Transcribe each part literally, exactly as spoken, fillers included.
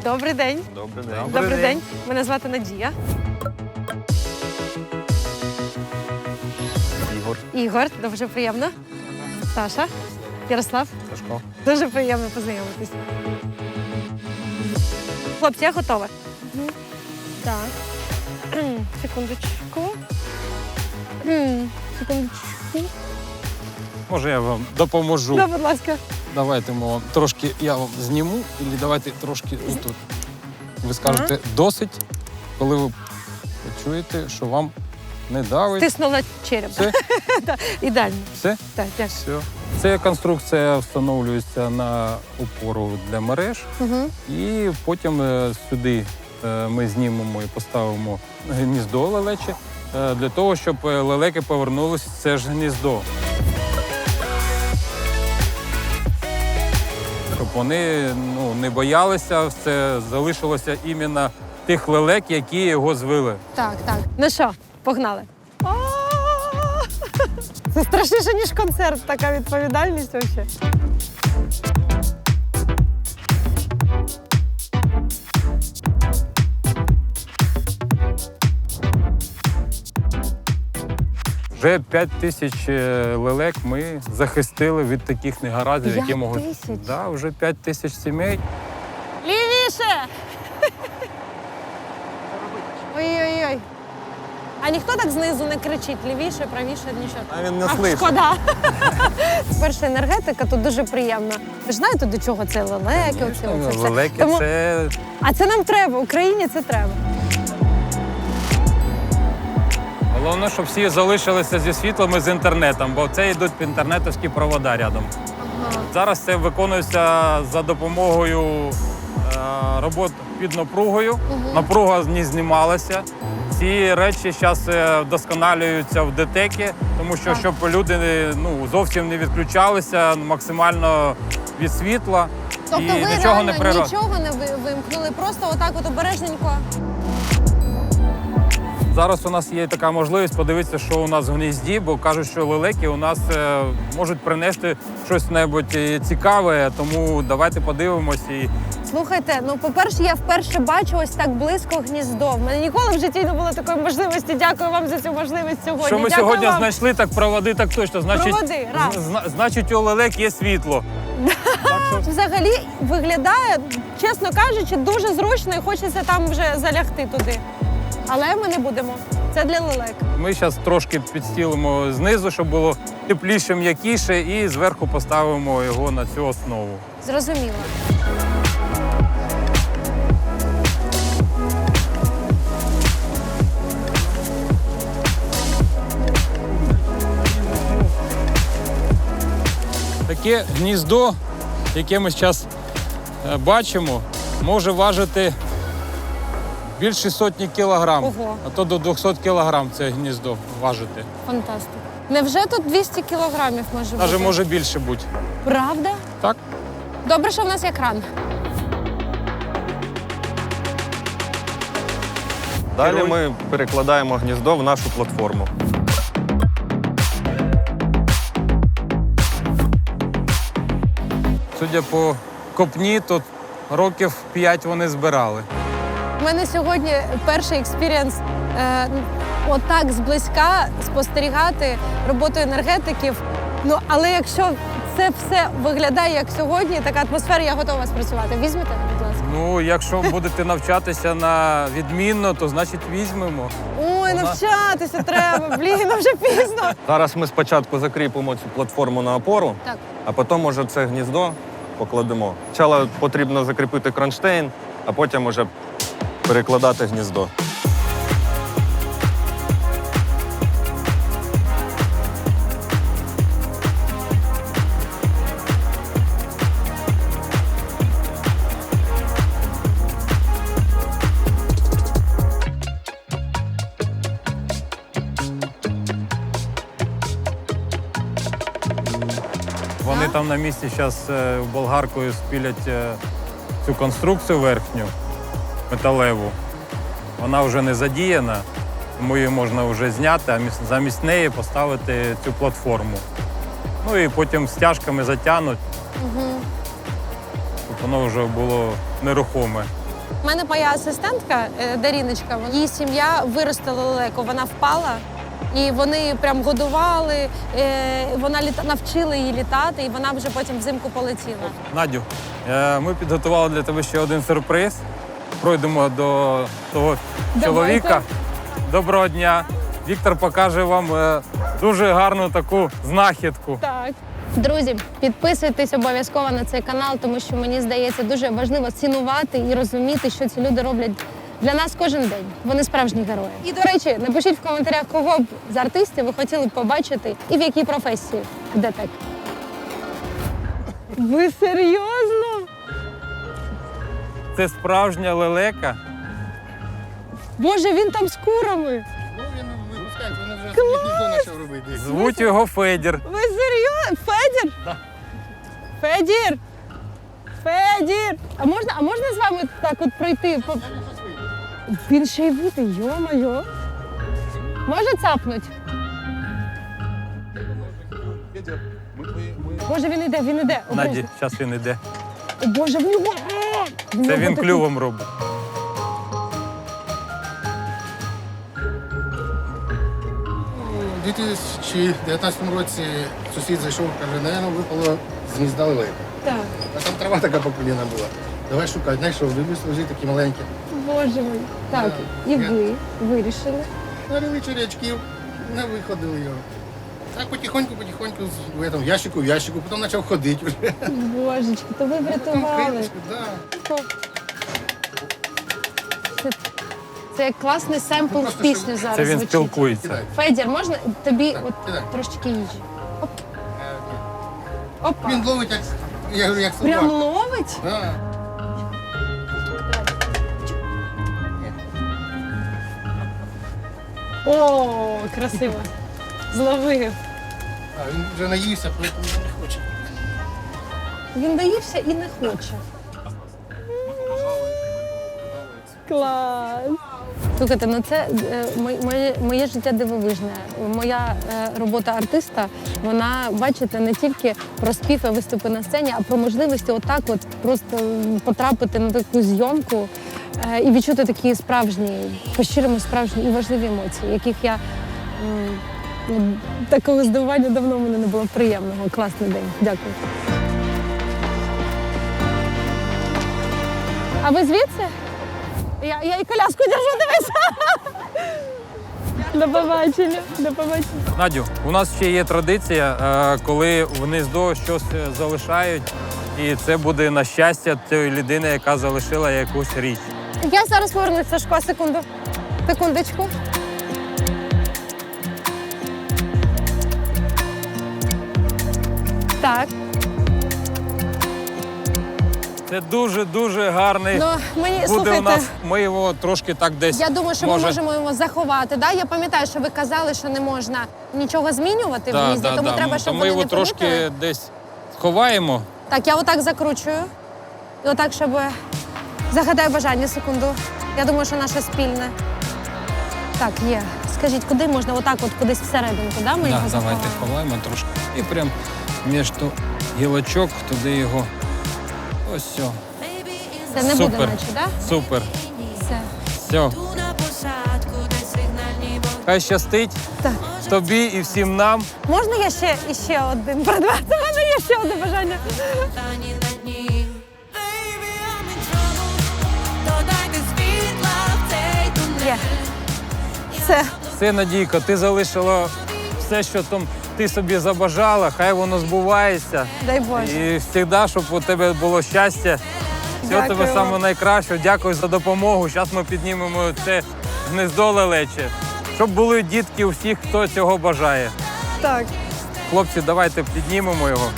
Добрий день. Добрий день. Добрий, Добрий день. день. Мене звати Надія. Ігор. Ігор, дуже приємно. Саша. Ярослав. Сашко. Дуже приємно познайомитись. Хлопці, я готова. Так. Секундочку. Секундочку. Може, я вам допоможу. Да, будь ласка. Давайте ми вам трошки я вам зніму, і давайте трошки отут. Ви скажете ага. досить, коли ви почуєте, що вам не давить. Стиснула череп. Все? Так, ідеально. Все? Так, дякую. Все. Ця конструкція встановлюється на опору для мереж. Угу. І потім сюди ми знімемо і поставимо гніздо лелече, для того, щоб лелеки повернулися в це ж гніздо. Щоб вони ну, не боялися, це залишилося іменно тих лелек, які його звили. Так, так. Ну що, погнали. Це страшніше, ніж концерт, така відповідальність взагалі. Вже п'ять тисяч лелек ми захистили від таких негараздів, які можуть... п'ять тисяч? Так, да, вже п'ять тисяч сімей. Лівіше! Ой-ой-ой. А ніхто так знизу не кричить? Лівіше, правіше, нічого? А він не а, слышить. Шкода. Перша енергетика тут дуже приємна. Ви ж знаєте, до чого це лелеки? Оці, оце все. Лелеки Тому... це... А це нам треба, Україні це треба. Головне, щоб всі залишилися зі світлом і з інтернетом, бо це йдуть інтернетовські провода рядом. Ага. Зараз це виконується за допомогою е, робот під напругою. Угу. Напруга не знімалася. Ці речі зараз вдосконалюються в ДТЕКі, тому що так. щоб люди ну, зовсім не відключалися максимально від світла. Тобто і ви нічого реально не природ... нічого не вимкнули, просто отак от обережненько? Зараз у нас є така можливість подивитися, що у нас в гнізді, бо кажуть, що лелеки у нас е, можуть принести щось небудь цікаве, тому давайте подивимось. І... Слухайте, ну, по-перше, я вперше бачу ось так близько гніздо. В мене ніколи в житті не було такої можливості. Дякую вам за цю можливість сьогодні. Що ми Дякую сьогодні вам. знайшли, так проводи так точно. Значить, Проводи, раз. зна- значить, у лелек є світло. Так що... Взагалі виглядає, чесно кажучи, дуже зручно і хочеться там вже залягти туди. Але ми не будемо. Це для лелек. Ми зараз трошки підстілимо знизу, щоб було тепліше, м'якіше, і зверху поставимо його на цю основу. Зрозуміло. Таке гніздо, яке ми зараз бачимо, може важити більше сотні кілограм, Ого. а то до двохсот кілограм це гніздо важити. Фантастика. Невже тут двісті кілограмів може бути? Навіть може більше бути. Правда? Так? Добре, що в нас є кран. Далі ми перекладаємо гніздо в нашу платформу. Судя по копні, то років п'ять вони збирали. У мене сьогодні перший експірієнс е, отак зблизька спостерігати роботу енергетиків. Ну, але якщо це все виглядає як сьогодні, така атмосфера, я готова спрацювати. Візьмете, будь ласка? Ну, якщо будете навчатися на відмінно, то значить візьмемо. Ой, навчатися треба, блін, вже пізно. Зараз ми спочатку закріпимо цю платформу на опору, Так. а потім уже це гніздо покладемо. Спочатку потрібно закріпити кронштейн, а потім уже перекладати гніздо. Вони там на місці зараз болгаркою спілять е, цю конструкцію верхню, металеву. Вона вже не задіяна, тому її можна вже зняти, а міс- замість неї поставити цю платформу. Ну і потім стяжками затягнуть, Угу. щоб воно вже було нерухоме. У мене моя асистентка е, Даріночка, її сім'я виростила лелеку, вона впала. І вони прям годували, е, вона літа... навчила її літати, і вона вже потім взимку полетіла. Надю, е, ми підготували для тебе ще один сюрприз. Пройдемо до того Давайте. чоловіка. Доброго дня. Віктор покаже вам е, дуже гарну таку знахідку. Так. Друзі, підписуйтесь обов'язково на цей канал, тому що мені здається дуже важливо цінувати і розуміти, що ці люди роблять для нас кожен день. Вони справжні герої. І, до речі, напишіть в коментарях, кого б з артистів ви хотіли б побачити і в якій професії. Де так? Ви серйозно? Це справжня лелека. Боже, він там з курами. Ну, він випускається, вони вже собі гніздо почав робити. Звуть його Федір. Ви серйозно? Федір? Да. Федір! Федір! А можна, а можна з вами так от пройти? По- Він ще й вити, йо-моє. Може цапнуть? Боже, він іде, він іде. Наді, Обережно. зараз він іде. О, Боже, в нього! А! В Це нього він такий- клювом робить. У дві тисячі дев'ятнадцятому році сусід зайшов, каже, наверное, випало з гнізда лелека. Так. А там трава така по коліна була. Давай шукати. Знайшов, дивлюсь, лежить такі маленькі. Боже мій. Так, Да. і ви вирішили. Налили черячків, не виходили його. Так потихоньку, потихоньку, з- в этом, ящику, в ящику, потім почав ходити вже. Божечки, то ви врятували. Крилечко, да. Це, це як класний семпл в Просто, пісню щоб- зараз Це він звучить. спілкується. Кидай. Федір, можна тобі Так, от кидай. трошечки їжі? Оп, Е, ні. опа. Він ловить, як, я говорю, як собак. Прям ловить? Да. О, красиво. Зловив. А, він вже наївся, тому не хоче. Він доївся і не хоче. Клас. Слухайте, ну це е, моє, моє, моє життя дивовижне. Моя е, робота артиста, вона, бачите, не тільки про спів і виступи на сцені, а про можливості отак от просто потрапити на таку зйомку е, і відчути такі справжні, по-щирому справжні і важливі емоції, яких я м, ну, такого здивування давно в мене не було приємного. Класний день. Дякую. А ви звідси? Я, я і коляску держу, дивись. До побачення. До побачення. Надю, у нас ще є традиція, е, коли в гніздо щось залишають, і це буде на щастя тієї людини, яка залишила якусь річ. Я зараз повернусь, Сашко, секунду. Секундочку. Так. Це дуже-дуже гарний Ну, мені, буде слухайте, у нас. Ми його трошки так десь. я думаю, що може... ми можемо його заховати. Да? Я пам'ятаю, що ви казали, що не можна нічого змінювати в Да, гнізді, да, тому да. треба, щоб То ми вони його не трошки помітили. десь ховаємо. Так, я отак закручую. І отак, щоб загадаю бажання, секунду. Я думаю, що наше спільне. Так, є. Скажіть, куди можна? Отак, от кудись всерединку, да? Ми Да, його давайте заховаємо? ховаємо трошки. І прям між ту гілочок туди його. Ось все. Це не Супер. буде, наче, да? Супер. Все. Все. Хай щастить Так. тобі і всім нам. Можна я ще іще один предмет? У мене є ще одне бажання. Є. Все. Все, Надійко, ти залишила все, що там ти собі забажала, хай воно збувається. Дай Боже. І завжди, щоб у тебе було щастя. Всього Дякую тебе вам. саме найкраще. Дякую за допомогу. Зараз ми піднімемо це гнездо лелече. Щоб були дітки у всіх, хто цього бажає. Так. Хлопці, давайте піднімемо його.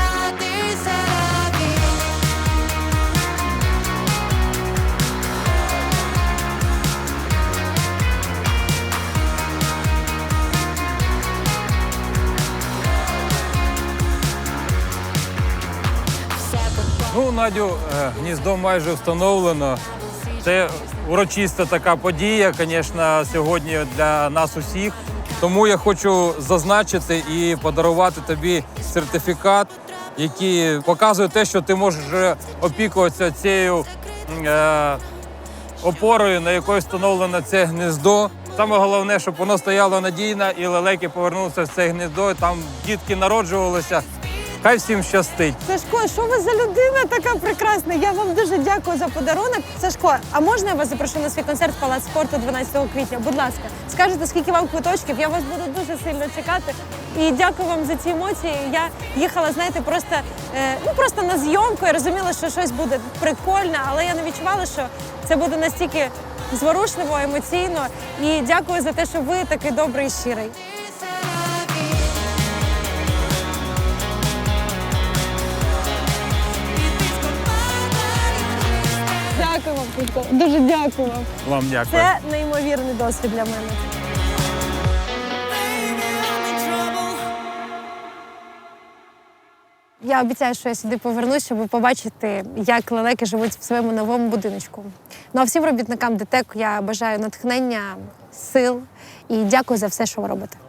Ну, Надю, е, гніздо майже встановлено. Це урочиста така подія, звісно, сьогодні для нас усіх. Тому я хочу зазначити і подарувати тобі сертифікат, який показує те, що ти можеш опікуватися цією е, опорою, на якої встановлено це гніздо. Саме головне, щоб воно стояло надійно і лелеки повернулися в це гніздо, і там дітки народжувалися. Хай всім щастить. Сашко, що ви за людина така прекрасна? Я вам дуже дякую за подарунок. Сашко, а можна я вас запрошу на свій концерт в Палац спорту дванадцятого квітня? Будь ласка, скажете, скільки вам квиточків? Я вас буду дуже сильно чекати. І дякую вам за ці емоції. Я їхала, знаєте, просто, е, ну, просто на зйомку. Я розуміла, що щось буде прикольне, але я не відчувала, що це буде настільки зворушливо, емоційно. І дякую за те, що ви такий добрий і щирий. Дякую вам, Сашко. Дуже дякую вам. Вам дякую. Це неймовірний досвід для мене. Я обіцяю, що я сюди повернусь, щоб побачити, як лелеки живуть в своєму новому будиночку. Ну а всім робітникам ДТЕК я бажаю натхнення, сил і дякую за все, що ви робите.